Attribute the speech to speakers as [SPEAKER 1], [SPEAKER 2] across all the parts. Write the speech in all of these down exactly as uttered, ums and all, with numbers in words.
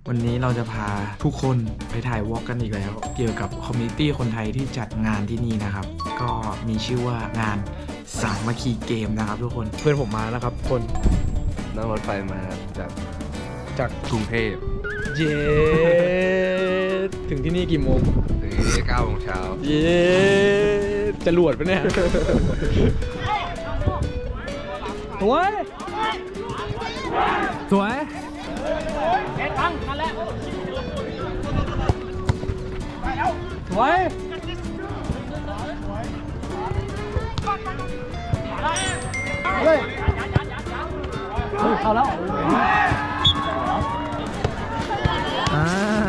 [SPEAKER 1] วันนี้เราจะพาทุกคนไปถ่ายวอล์กกันอีกแล้ว เกี่ยวกับคอมมูนิตี้คนไทยที่จัดงานที่นี่นะครับก็มีชื่อว่างานสามัคคีเกมนะครับทุกคนเพื่อนผมมาแล้วครับคน
[SPEAKER 2] นั่งรถไฟมาจาก
[SPEAKER 1] จาก
[SPEAKER 2] กรุงเทพ
[SPEAKER 1] เย้ถึงที่นี่กี่โมง
[SPEAKER 2] ถึงที่เก้าโมงเช้า
[SPEAKER 1] เย้จะหลวดปะเนี่ยสวยสวยเอ็ดฟังมาแล้วสวยเฮ้ยเข้าแล้วอ่า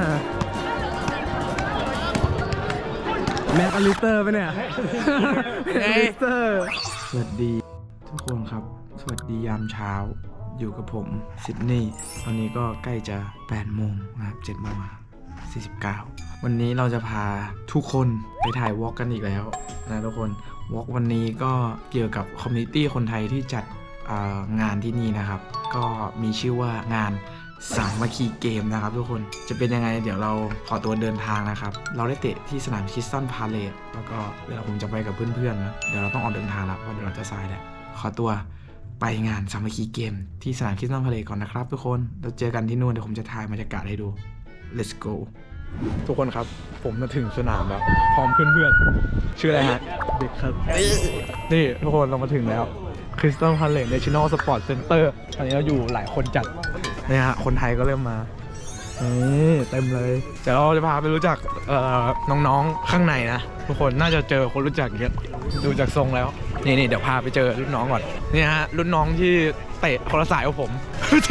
[SPEAKER 1] แม็กอลิสเตอร์ไปเนี่ยแม็กอลิสเตอร์สวัสดีทุกคนครับสวัสดียามเช้าอยู่กับผมซิดนีย์ตอนนี้ก็ใกล้จะแปดโมงนะครับเจ็ดโมงสี่สิบเก้าวันนี้เราจะพาทุกคนไปถ่ายวอล์กกันอีกแล้วนะทุกคนวอล์กวันนี้ก็เกี่ยวกับคอมมูนิตี้คนไทยที่จัดงานที่นี่นะครับก็มีชื่อว่างานสามัคคีเกมนะครับทุกคนจะเป็นยังไงเดี๋ยวเราขอตัวเดินทางนะครับเราได้เตะที่สนามคริสตัลพาเลทแล้วก็เดี๋ยวผมจะไปกับเพื่อนๆนะเดี๋ยวเราต้องออกเดินทางแล้วเพราะเดี๋ยวเราจะสายแหละขอตัวไปงานสามัคคีเกมที่สนามคริสตัลพาเลทก่อนนะครับทุกคนเราเจอกันที่นู่นเดี๋ยวผมจะถ่ายบรรยากาศให้ดู let's go ทุกคนครับผมมาถึงสนามแล้วพร้อมเพื่อนๆชื่ออะไรฮะเด็กครับนี่ทุกคนเรามาถึงแล้วคริสตัลพาเลท National Sport Center ตอนนี้เราอยู่หลายคนจัดเนี่ยฮะคนไทยก็เริ่มมานี่เต็มเลยเดี๋ยวเราจะพาไปรู้จักน้องๆข้างในนะทุกคนน่าจะเจอคนรู้จักเยอะดูจากทรงแล้วนี่นี่เดี๋ยวพาไปเจอรุ่นน้องก่อนนี่ฮะรุ่นน้องที่เตะคนละสายกับผม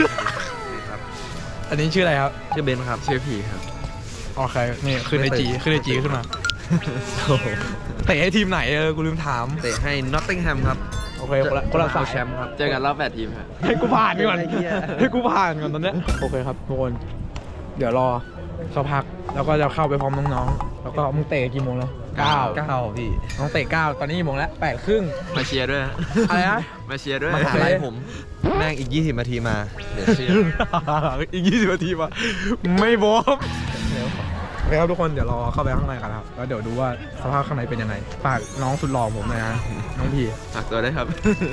[SPEAKER 1] อันนี้ชื่ออะไรครับ
[SPEAKER 2] ชื่อเบนครับชื่อพีครับ
[SPEAKER 1] โอเคนี่ขึ้นไอจีขึ้นไอจีขึ้นมาเตะให้ทีมไหนเออกูลืมถาม
[SPEAKER 2] เตะให้นอตติงแฮมครับ
[SPEAKER 1] โอเคคนละสาย
[SPEAKER 2] แชมป์ครับเจอกันรอบแปดทีมครับ
[SPEAKER 1] ให้กูผ่านก่อนให้กูผ่านก่อนตอนนี้โอเคครับทุกคนเดี๋ยวรอสักพักแล้วก็จะเข้าไปพร้อมน้องๆแล้วก็มึงเตะกี่โมงแล้วเก้า
[SPEAKER 2] เก้าพี่
[SPEAKER 1] น้องเตะเก้าตอนนี้กี่โมงแล้วแปดครึ่ง
[SPEAKER 2] มาเชียร์ด้วย
[SPEAKER 1] อะไรนะ
[SPEAKER 2] มาเชียร์ด้วยมาหาอะไรผมแม่งอีกยี่สิบนาทีมาเดี๋ยวเชียร์
[SPEAKER 1] อีกยี่สิบนาทีมาไม่บอมโอเคครับทุกคนเดี๋ยวรอเข้าไปข้างในกันครับแล้วเดี๋ยวดูว่าสภาพข้างในเป็นยังไงฝากน้องสุดหล่อผมนะฮะน้องพี
[SPEAKER 2] ฝากตัวได้ครับ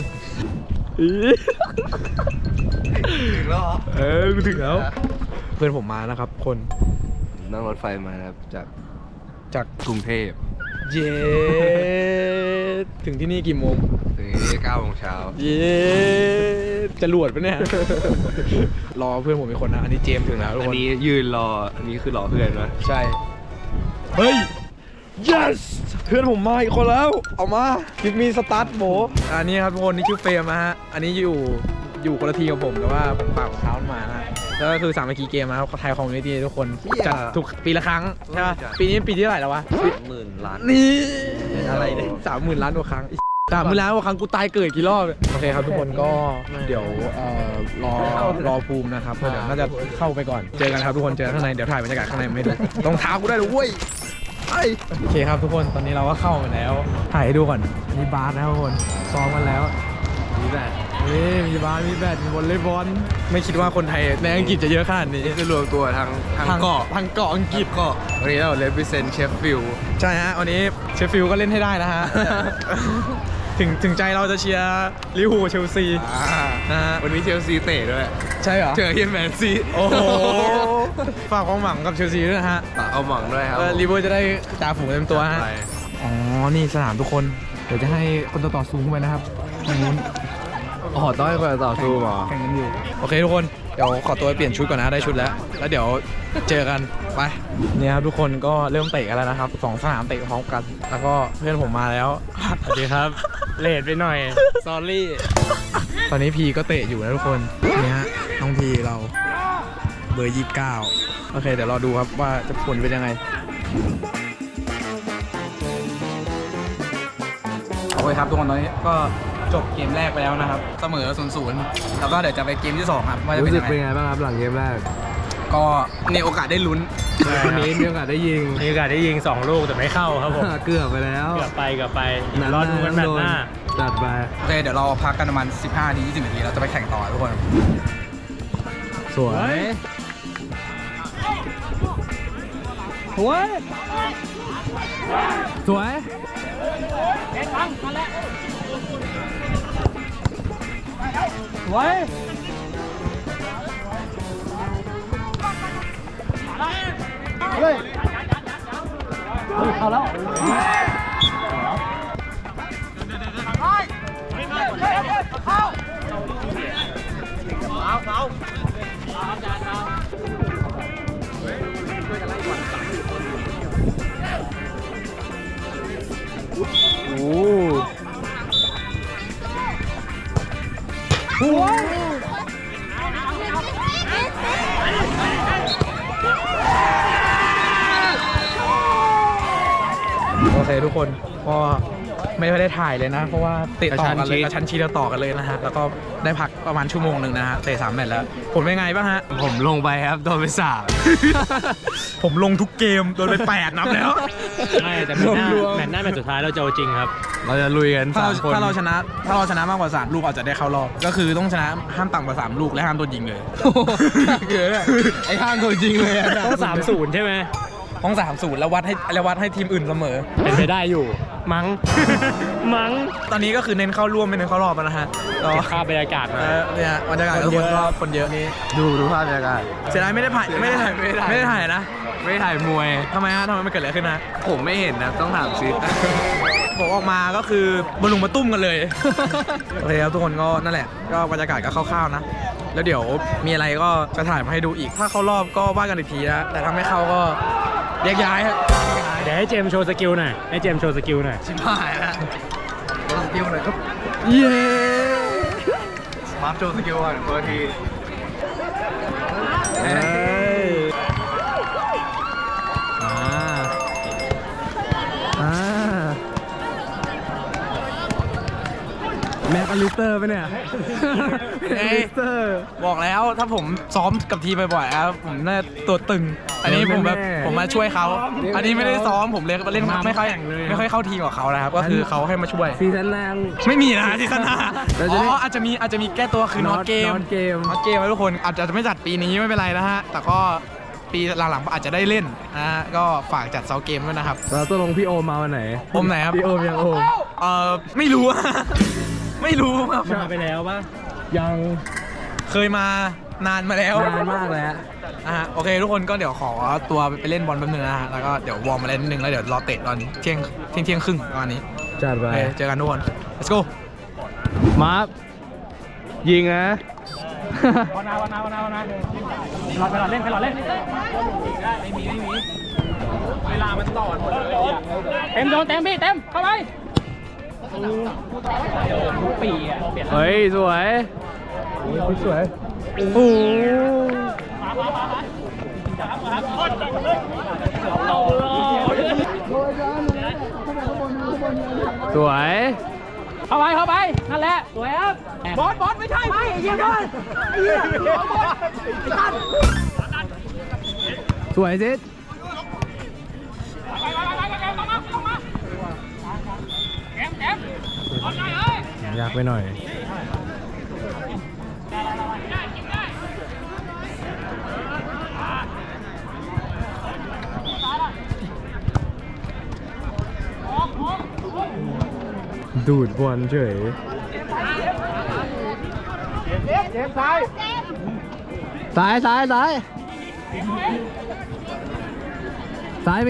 [SPEAKER 1] ถึงแล้วเออถึงแล้วเพื่อนผมมานะครับคน
[SPEAKER 2] นั่งรถไฟมาครับจาก
[SPEAKER 1] จาก
[SPEAKER 2] กรุงเทพ
[SPEAKER 1] เย้ถึงที่นี่กี่โมง
[SPEAKER 2] ถึงที่เก้าโมงเช้า
[SPEAKER 1] เย้จะหลวดปะเนี่ยรอเพื่อนผมอีกคนนะอันนี้เจมถึงแล้ว
[SPEAKER 2] อันนี้ยืนรออันนี้คือรอเพื่อนนะ
[SPEAKER 1] ใช่เฮ้ย yes เพื่อนผมมาอีกคนแล้วเอามาคิดมีสตาร์ทโบอันนี้ครับทุกคนนี่ชื่อเฟรมนะฮะอันนี้อยู่อยู่คนละทีกับผมแต่ว่าผมฝากของเท้ามานะแล้วก็คือสามัคคีเกมนะครับไทยคอมมูนิตี้ทุกคนจัดทุกปีละครั้งใช่ป่ะปีนี้ปีที่เท่าไหร่แล้ววะ
[SPEAKER 2] สามหมื่นล้าน
[SPEAKER 1] นี่
[SPEAKER 2] อะไรเนี่ย
[SPEAKER 1] สามหมื่นล้านกว่าครั้งสามหมื่นล้านกว่าครั้งกูตายเกิดกี่รอบโอเคครับทุกคนก็เดี๋ยวรอรอภูมินะครับเดี๋ยวน่าจะเข้าไปก่อนเจอกันครับทุกคนเจอข้างในเดี๋ยวถ่ายบรรยากาศข้างในไม่ดูรองเท้ากูได้เลยเว้ยโอเคครับทุกคนตอนนี้เราก็เข้ามาแล้วถ่ายให้ดูก่อนมีบาสนะทุกคนซ้อมกันแล้ว
[SPEAKER 2] มีแบด
[SPEAKER 1] นี่มีบาสมีแบดมีวอลเลย์บอลไม่คิดว่าคนไทยในอังกฤษจะเยอะขนาดนี้
[SPEAKER 2] จะรวมตัวทาง
[SPEAKER 1] ทางเกาะทางเกาะอังกฤษ
[SPEAKER 2] เกาะวันนี้เราเลเวอเรนเชฟฟิลด์
[SPEAKER 1] ใช่ฮะวันนี้เชฟฟิลด์ก็เล่นให้ได้นะฮะถึงถึงใจเราจะเชียร์ลิเวอร์พูลเชลซี
[SPEAKER 2] นะฮะวันนี้เชลซีเตะด้วย
[SPEAKER 1] ใช่เหรอ
[SPEAKER 2] เจอเฮียแมนซี
[SPEAKER 1] โอ้โหฝากความหวังกับเชลซีด้วยนะฮะ
[SPEAKER 2] ฝากเอาหวังด้วยครับ
[SPEAKER 1] ลิเวอร์จะได้จ่าฝูงเต็มตัวฮะอ๋อนี่สนามทุกคนเดี๋ยวจะให้คนต่อต่อซูมเข้าไปนะครับทางนู้น
[SPEAKER 2] อ๋อต้องให้คนต่อซูมเหรอ
[SPEAKER 1] แข่งกันอยู่โอเคทุกคนเดี๋ยวขอตัวไปเปลี่ยนชุดก่อนนะได้ชุดแล้วแล้วเดี๋ยวเจอกันไปเนี่ยครับทุกคนก็เริ่มเตะกันแล้วนะครับสองสนามเตะพร้อมกันแล้วก็เพื่อนผมมาแล้ว
[SPEAKER 3] สวัสดีครับเลทไปหน่อย sorry
[SPEAKER 1] ตอนนี้พีก็เตะอยู่นะทุกคนนี่ฮะน้องพีเราเบอร์ยี่สิบเก้าโอเคเดี๋ยวรอดูครับว่าจะผลเป็นยังไงโอเคครับทุกคนตอนนี้ก็จบเกมแรกไปแล้วนะครับเสมอศูนย์ศูนย์แล้วก็เดี๋ยวจะไปเกมที่สองครับว่าจะเป็นยังไง
[SPEAKER 2] รู้สึกเป็นไงบ้างครับหลังเกมแรก
[SPEAKER 1] ก็มีโอกาสได้ลุ้น
[SPEAKER 2] วันนี้มีโอกาสได้ยิง
[SPEAKER 3] มีโอกาสได้ยิงสองลูกแต่ไม่เข้าครับผม
[SPEAKER 2] เกือบไปแล้ว
[SPEAKER 3] เกือบไปเกือบไปรอดูกันแบบหน้า
[SPEAKER 2] จัดไป
[SPEAKER 1] โอเคเดี๋ยวเราพักกันประมาณสิบห้านาทียี่สิบนาทีเราจะไปแข่งต่อทุกคน
[SPEAKER 2] สวย
[SPEAKER 1] สวยสวยสวยเฮ้ยเอาแล้วโอ้โหโอเคทุกคนก็ไม่ได้ถ่ายเลยนะ เพราะว่าติดต่อกันเลยกระชั้นชิดต่อกันเลยนะฮะแล้วก็ได้พักประมาณชั่วโมงหนึ่งนะฮะเตะสามแมตช์แล้วผลเป็นไงบ้างฮะ
[SPEAKER 3] ผมลงไปครับโดนไปสาม
[SPEAKER 1] ผมลงทุกเกมโดนไปแปดนับแล้ว
[SPEAKER 3] ไม่แต่แมตช์หน้าแมตช์หน้าแมตช์สุดท้ายเราจะเอาจริงครับ เราจะลุยกัน
[SPEAKER 1] ถ้า
[SPEAKER 3] สา
[SPEAKER 1] เรา
[SPEAKER 3] มคน
[SPEAKER 1] ถ้าเราชนะถ้าเราชนะมากกว่าสามลูกอาจจะได้เข้ารอบก็คือต้องชนะห้ามต่ำกว่าสามลูกและห้ามโดนยิงเลยเกิดไอ้ห้ามโดนยิงเลย
[SPEAKER 3] ต้องสามศูนย์ใช่ไหม
[SPEAKER 1] ต้องสามศูนย์แล้ววัดให้แล้ววัดให้ทีมอื่นเสมอ
[SPEAKER 3] เป็นไปได้อยู่ มั้ง มั้ง
[SPEAKER 1] ตอนนี้ก็คือเน้นเข้าร่วมไม่เน้นเข้ารอบแล้วนะฮะก็
[SPEAKER 3] เก็บภาพบรรยากาศมา
[SPEAKER 1] เออเนี่ยบรรยากาศทุกคนก็คนเยอะนี่
[SPEAKER 2] ดูดูภาพบรรยากาศ
[SPEAKER 1] เสียดายไม่ได้ถ่ายไม่ได้ถ่าย
[SPEAKER 2] ไม่ได้ถ่าย
[SPEAKER 1] ไม่ได้ถ่ายนะ
[SPEAKER 2] ไม่ถ่ายมวย
[SPEAKER 1] ทำไมฮะทำไมมันเกิดอะไรขึ้นนะ
[SPEAKER 2] ผมไม่เห็นนะต้องถามซิด
[SPEAKER 1] ผมออกมาก็คือบอลลุงมาตุ้มกันเลย โอเคครับทุกคนก็นั่นแหละก็บรรยากาศก็คร่าวๆนะแล้วเดี๋ยวมีอะไรก็จะถ่ายมาให้ดูอีกถ้าเข้ารอบก็ว่ากันอีกทีนะแต่ถ้าไม่เข้าก็แยกย้ายฮะ
[SPEAKER 3] เดี๋ยวให้เจมส์โชว์สกิลหน่อย ให้เจมส์โชว์สกิลหน่อย
[SPEAKER 1] ชิบหายแล้วโชว์สกิลหน่อยครับ
[SPEAKER 2] เย้มาร์คโชว์สกิลก่อนเบอร์ที
[SPEAKER 1] เอ้ยอ่าอ่าแม็กอลิสเตอร์ไปเนี่ยแม็กอลิสเตอร์บอกแล้วถ้าผมซ้อมกับทีมบ่อยๆครับผมน่าตัวตึง อันนี้ผมแบบผมมาช่วยเขาอันนี้ไม่ได้ซ้อมผมเล่นเล่นไม่ค่อยไม่ค่อยเข้าทีมกับเขานะครับก็คือเขาให้มาช่วย
[SPEAKER 4] ซีซั่นแรก
[SPEAKER 1] ไม่มีนะซีซั่นหน้า
[SPEAKER 4] เราจะ
[SPEAKER 1] อ๋
[SPEAKER 4] เล่น
[SPEAKER 1] ออาจจะมีอาจจะมีแก้ตัวคือนอตเกม
[SPEAKER 4] นอตเกม
[SPEAKER 1] นอตเกมนะทุกคนอาจจะไม่จัดปีนี้ไม่เป็นไรนะฮะแต่ก็ปีหลังๆอาจจะได้เล่นนะฮะก็ฝากจัดเซาเกมด้วยนะครับ
[SPEAKER 4] เราต้องลงพี่โอมมาวันไหน
[SPEAKER 1] โอมไหนครับ
[SPEAKER 4] พี่โอมยังโอม
[SPEAKER 1] เออไม่รู้อะ ไม่รู้ครับ
[SPEAKER 3] มาไปแล้วป่ะ
[SPEAKER 4] ยัง
[SPEAKER 1] เคยมานานมาแล้ว
[SPEAKER 4] นานมากแล้ว
[SPEAKER 1] อ่ะโอเคทุกคนก็เดี๋ยวขอตัวไปเล่นบอลแป๊บนึงนะฮะแล้วก็เดี๋ยววอร์มมาเล่นนิดนึงแล้วเดี๋ยวรอเตะตอนเที่ยงเที่ยงเที่ยงครึ่งประมาณนี้
[SPEAKER 4] จัด
[SPEAKER 1] โอ
[SPEAKER 4] ไป
[SPEAKER 1] เคเจอกันทุกคน let's go
[SPEAKER 4] มาร์คยิงนะ
[SPEAKER 3] วันนาวันนาวันนาวันนาหลอดไปหลอดเล่นไปหลอดเล่นไม่มีไม่มีเวลามันต่อหมดเลยเต็มโดนเต็มพี่เต็มเข้าไปทุกปีอ่ะเปลี่ยน
[SPEAKER 4] เฮ้ย สวยสวยโอ้โหสวย
[SPEAKER 3] เข้าไปเข้าไปนั่นแหละสวยครับ
[SPEAKER 1] บอลบอลไม่ใช่ไม่ยิงบอล
[SPEAKER 4] สวยจิต ยากไปหน่อย ดูดบอลเฉยซ้ายซ้ายซ้ายซ้ายมี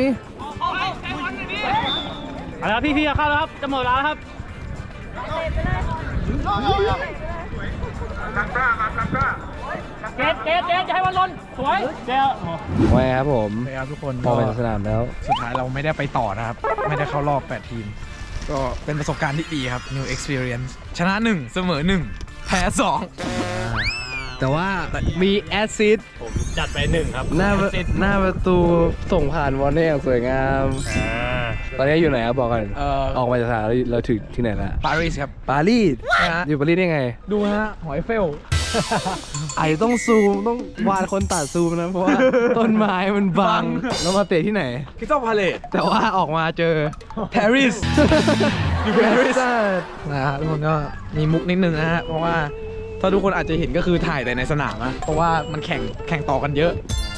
[SPEAKER 3] เอาละพี่พี่เข้าแล้วครับจะหมดแล้วครับ เกตเกตเกตจะให้วันลนสวยเจ้า
[SPEAKER 4] ไว้ครับผม
[SPEAKER 1] โอเคครับทุกคน
[SPEAKER 4] พอไปสนามแล้ว
[SPEAKER 1] สุดท้ายเราไม่ได้ไปต่อนะครับ ไม่ได้เข้ารอบแปดทีม ก็เป็นประสบการณ์ที่ดีครับ new experience ชนะหนึ่งเสมอหนึ่งแพ้สอง
[SPEAKER 4] แต่ว่ามีแอสซิสต์
[SPEAKER 3] ผมจัดไปหนึ่งครับ
[SPEAKER 4] หน้าประหน้าประตูส่งผ่านวอลเน่อย่างสวยงาม
[SPEAKER 3] อ่า
[SPEAKER 4] ตอนนี้อยู่ไหนครับบอกกัน
[SPEAKER 1] เอ่อ
[SPEAKER 4] ออกมาจากสนามแล้วเราถึงที่ไหนละ
[SPEAKER 1] ปารีสครับ
[SPEAKER 4] ปารีส
[SPEAKER 1] นะฮะ
[SPEAKER 4] อยู่ปารีสได้ไง
[SPEAKER 1] ดูฮะ หอยเฟล
[SPEAKER 4] ไอต้องซูมต้องวานคนตัดซูมนะ เพราะว่า ต้นไม้มันบัง แล้วมาเตะที่ไหน
[SPEAKER 1] คิสตัลพาเลต
[SPEAKER 4] แต่ว่าออกมาเจอ
[SPEAKER 1] ปารีส อยู่ปารีสนะฮะทุกคนก็มีมุกนิดนึงนะฮะ เพราะว่าถ้าทุกคนอาจจะเห็นก็คือถ่ายแต่ในสนามนะเพราะว่ามันแข่งแข่งต่อกันเยอะ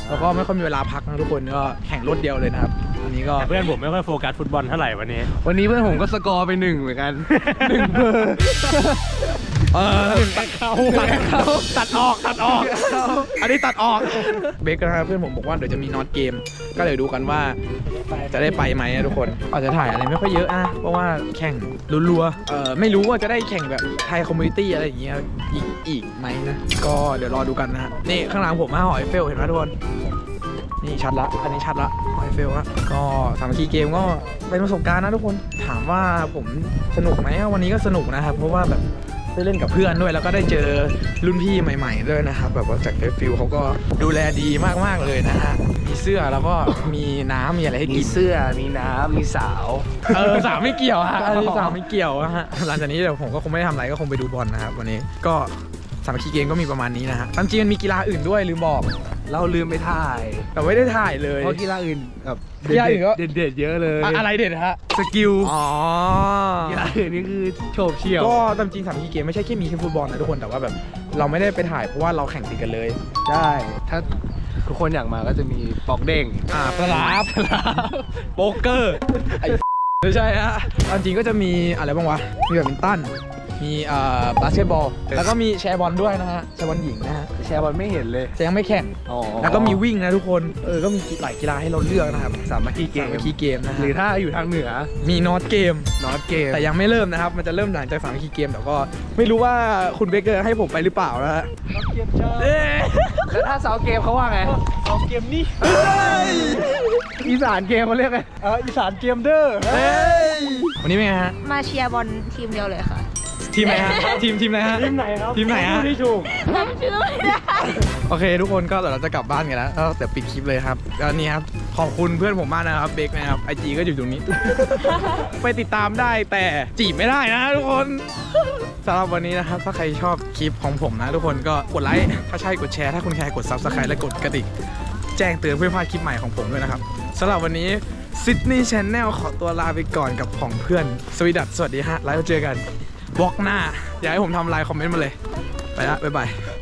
[SPEAKER 1] แล้วก็ไม่ค่อยมีเวลาพักนะทุกคนก็แข่งรถเดียวเลยนะครับอันนี้ก็
[SPEAKER 3] เพื่อนผมไม่ค่อยโฟกัสฟุตบอลเท่าไหร่วันนี้
[SPEAKER 4] วันนี้เพื่อนผมก็สกอร์ไปหนึ่งเหมือนกันหนึ่งเบอร์
[SPEAKER 1] เออ
[SPEAKER 3] เขาตัดเขาตัดออกตัดออก
[SPEAKER 1] อันนี้ตัดออกเบคนะครับเพื่อนผมบอกว่าเดี๋ยวจะมีน็อตเกมก็เลยดูกันว่าจะได้ไปไหมนะทุกคนอาจจะถ่ายอะไรไม่ค่อยเยอะนะเพราะว่าแข่งรัวๆเออไม่รู้ว่าจะได้แข่งแบบไทยคอมมูนิตี้อะไรอย่างเงี้ยอีกอีกไหมนะก็เดี๋ยวรอดูกันนะฮะนี่ข้างหลังผมมาหอยเฟลเห็นไหมทุกคนนี่ชัดละอันนี้ชัดละหอยเฟลละก็สามัคคีเกมก็เป็นประสบการณ์นะทุกคนถามว่าผมสนุกไหมวันนี้ก็สนุกนะครับเพราะว่าแบบได้เล่นกับเพื่อนด้วยแล้วก็ได้เจอรุ่นพี่ใหม่ๆด้วยนะครับแบบว่าจากเฟซฟิลเขาก็ดูแลดีมากๆเลยนะฮะมีเสื้อแล้วก็มีน้ำมีอะไรให้
[SPEAKER 4] มี
[SPEAKER 1] กิน
[SPEAKER 4] เสื้อมีน้ำมีสาว
[SPEAKER 1] เออสาวไม่เกี่ยวฮะอันนี้สาวไม่เกี่ยวอะฮะหลังจากนี้เดี๋ยวผมก็คงไม่ได้ทำอะไรก็คงไปดูบอลนะครับวันนี้ก็สามัคคีเกมก็มีประมาณนี้นะฮะตามจริงมันมีกีฬาอื่นด้วยลืมบอก
[SPEAKER 4] เราลืมไปถ่าย
[SPEAKER 1] แต่ไม่ได้ถ่ายเลย
[SPEAKER 4] เพราะกีฬาอื่นแบบ
[SPEAKER 1] กีฬาอื่นก็
[SPEAKER 4] เด็ดๆเยอะเลย
[SPEAKER 1] อะอะไรเด็ดฮะ
[SPEAKER 4] สกิล
[SPEAKER 1] อ๋อ
[SPEAKER 4] กีฬาอื่นนี่คือโฉบเฉี่ยว
[SPEAKER 1] ก็ตามจริงสามัคคีเกมไม่ใช่แค่มีแค่ฟุตบอลนะทุกคนแต่ว่าแบบเราไม่ได้ไปถ่ายเพราะว่าเราแข่งติดกันเลย
[SPEAKER 4] ใช่ถ้าทุกคนอยากมาก็จะมีปอกเด้ง
[SPEAKER 1] อ่าปลาบโป๊กเกอร์ไอ้ไม่ใช่ฮะตามจริงก็จะมีอะไรบ้างวะมีแบดมินตันมีเอ่อบาสเกตบอลแล้วก็มีแชร์บอลด้วยนะฮะแชร์บอลหญิงนะฮะ
[SPEAKER 4] แชร์บอลไม่เห็นเลย
[SPEAKER 1] จะยังไม่แข่ง
[SPEAKER 4] อ๋อ
[SPEAKER 1] แล้วก็มีวิ่งนะทุกคน เออ ก็มีหลายกีฬาให้เราเลือกนะครับ
[SPEAKER 4] สามัคคีเก
[SPEAKER 1] สาม มัคคีเกมนะ
[SPEAKER 4] ห
[SPEAKER 1] ฮะ
[SPEAKER 4] รือถ้าอยู่ทางเหนือ
[SPEAKER 1] มีนอตเกม
[SPEAKER 4] นอตเกม
[SPEAKER 1] แต่ยังไม่เริ่มนะครับ มันจะเริ่มหลังจากสามมัคคีเกมแต่ก็ไม่รู้ว่าคุณเบเกอร์ให้ผมไปหรือเปล่านะฮะเอ๊ะ
[SPEAKER 4] แล้วถ้าเสาเกมเขาว่าไง
[SPEAKER 3] เอาเกมนี้
[SPEAKER 4] อีสานเกมเขาเรียกไง
[SPEAKER 3] เอออีสานเกมเด้อ
[SPEAKER 1] เอ้ยวันนี้เป็นไงฮะ
[SPEAKER 5] มาเชียร์บอลทีมเดียวเลยค่ะ
[SPEAKER 1] ทีมไหนฮะ ทีมทีมไหนฮะ
[SPEAKER 3] ทีมไหนครับ
[SPEAKER 1] ทีมไหนฮะ
[SPEAKER 3] ที่ถูก
[SPEAKER 5] จำชื่อไม่ได้
[SPEAKER 1] โอเค ทุกคนก็เดี๋ยวเราจะกลับบ้านกันแล้วก็เดี๋ยวปิดคลิปเลยครับแล้วนี่ครับขอบคุณเพื่อนผมมากนะครับเบคนะครับไอจีก็อยู่ตรงนี้ ไปติดตามได้แต่จีบไม่ได้นะทุกคนสำหรับวันนี้นะครับถ้าใครชอบคลิปของผมนะทุกคนก็กดไลค์ถ้าใช่กดแชร์ถ้าคุณแคร์กด ซับสไครบ์ และกดกระดิ่งแจ้งเตือนเพื่อไม่พลาดคลิปใหม่ของผมด้วยนะครับสำหรับวันนี้ซิดนีย์ชาแนลขอตัวลาไปก่อนกับของเพื่อนสวีดัตสวัสดีฮะแล้วเจอกันบล็อกหน้าอยากให้ผมทำไลน์คอมเมนต์มาเลยไปละบ๊ายบาย